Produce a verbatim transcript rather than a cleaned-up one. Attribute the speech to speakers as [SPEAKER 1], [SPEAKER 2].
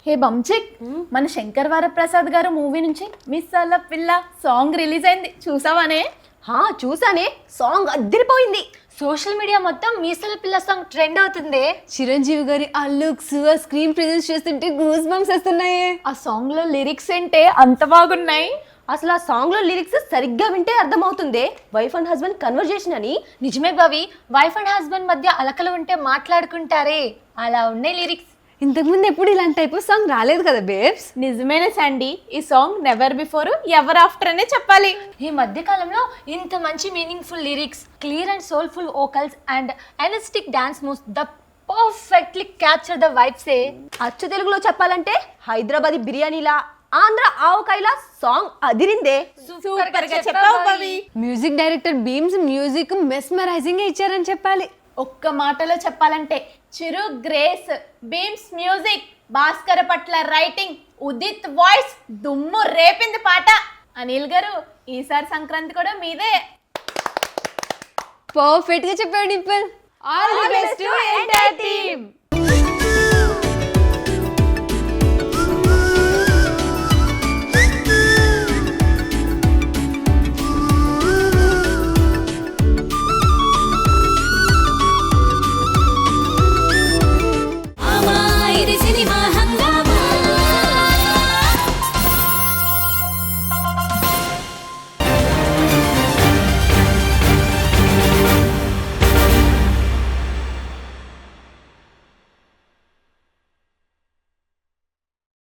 [SPEAKER 1] హే బంచిక్, మన శంకర్ వరప్రసాద్ గారు మూవీ నుంచి మిస్ అల్ల పిల్ల సాంగ్ రిలీజ్ అయింది, చూసావానే?
[SPEAKER 2] హా చూసానే, సాంగ్ అదిరిపోయింది.
[SPEAKER 3] సోషల్ మీడియా మొత్తం మీసల పిల్ల సాంగ్ ట్రెండ్ అవుతుంది.
[SPEAKER 2] చిరంజీవి గారి ఆ లుక్స్, ఆ స్క్రీన్ ప్రెజెన్స్ చేస్తుంటే గూస్ బంప్స్ వస్తున్నాయి.
[SPEAKER 1] ఆ సాంగ్ లో లిరిక్స్ ఏంటే అంత బాగున్నాయి.
[SPEAKER 2] అసలు ఆ సాంగ్ లో లిరిక్స్ సరిగ్గా వింటే అర్థమవుతుంది వైఫ్ అండ్ హస్బెండ్ కన్వర్జేషన్ అని.
[SPEAKER 3] నిజమే భవి, వైఫ్ అండ్ హస్బెండ్ మధ్య అలకలు ఉంటే మాట్లాడుకుంటారే, అలా ఉన్నాయి లిరిక్స్.
[SPEAKER 2] ఇంతకుముందు ఎప్పుడు ఇలాంటి టైప్ ఆఫ్ సాంగ్ రాలేదు కదా బేబ్స్.
[SPEAKER 1] నిజమేనే సండి, ఈ song never before ever after అనే చెప్పాలి.
[SPEAKER 3] ఈ మధ్య కాలంలో ఇంత మంచి meaningful lyrics, clear and soulful vocals and energetic dance moves the perfectly capture the vibes. ఏ
[SPEAKER 2] అచ్చు తెలుగులో చెప్పాలంటే హైదరాబాదీ బిర్యానీలా, ఆంధ్ర ఆవకాయలా సాంగ్ అదిరిందే.
[SPEAKER 1] సూపర్ గా చెప్పావు Bhavi.
[SPEAKER 2] Music director Bheems music mesmerizing ఇచ్చారని చెప్పాలి.
[SPEAKER 1] ఒక్క మాటలో చెప్పాలంటే Chiru grace, Bheems music, Bhaskarabhatla writing, Udit voice దుమ్ము రేపింది పాట. అనిల్ గారు, ఈసారి సంక్రాంతి కూడా మీదే.
[SPEAKER 2] పర్ఫెక్ట్ గా చెప్పాడు నిప్పుల్. All the best to entire team.